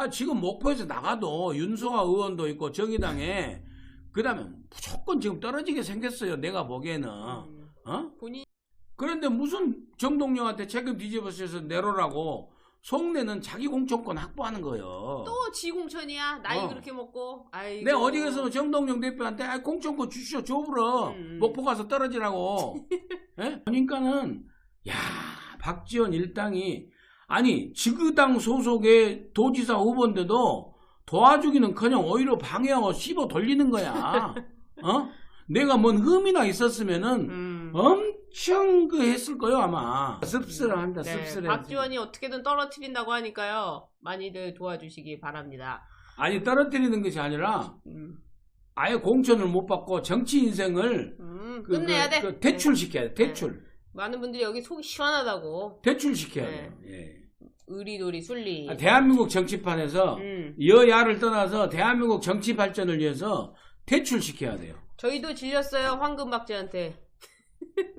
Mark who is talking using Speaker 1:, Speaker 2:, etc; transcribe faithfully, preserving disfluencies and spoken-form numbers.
Speaker 1: 내가 지금 목포에서 나가도 윤소아 의원도 있고 정의당에 그다음에 무조건 지금 떨어지게 생겼어요. 내가 보기에는.
Speaker 2: 음.
Speaker 1: 어?
Speaker 2: 본인
Speaker 1: 그런데 무슨 정동영한테 책임 뒤집어쓰여서 내로라고 속내는 자기 공천권 확보하는 거예요.
Speaker 2: 또 지공천이야. 나이
Speaker 1: 어.
Speaker 2: 그렇게 먹고. 아이고.
Speaker 1: 내가 어디 가서 정동영 대표한테 아, 공천권 주시오 줘버려.
Speaker 2: 음.
Speaker 1: 목포 가서 떨어지라고. 예? 그러니까는 야 박지원 일당이 아니 지그당 소속의 도지사 후보인데도 도와주기는커녕 오히려 방해하고 씹어 돌리는 거야. 어? 내가 뭔 흠이나 있었으면은
Speaker 2: 음.
Speaker 1: 엄청 그 했을 거예요 아마. 씁쓸합니다.
Speaker 2: 네,
Speaker 1: 씁쓸해.
Speaker 2: 박지원이 어떻게든 떨어뜨린다고 하니까요. 많이들 도와주시기 바랍니다.
Speaker 1: 아니 떨어뜨리는 것이 아니라
Speaker 2: 음.
Speaker 1: 아예 공천을 못 받고 정치 인생을
Speaker 2: 음,
Speaker 1: 그,
Speaker 2: 끝내야
Speaker 1: 그,
Speaker 2: 돼.
Speaker 1: 그 대출시켜야 돼. 대출.
Speaker 2: 네. 많은 분들이 여기 속이 시원하다고.
Speaker 1: 대출시켜야
Speaker 2: 네.
Speaker 1: 돼요. 예.
Speaker 2: 의리도리 순리.
Speaker 1: 아, 대한민국 정치판에서
Speaker 2: 음.
Speaker 1: 여야를 떠나서 대한민국 정치 발전을 위해서 대출시켜야 돼요.
Speaker 2: 저희도 질렸어요. 황금박쥐한테.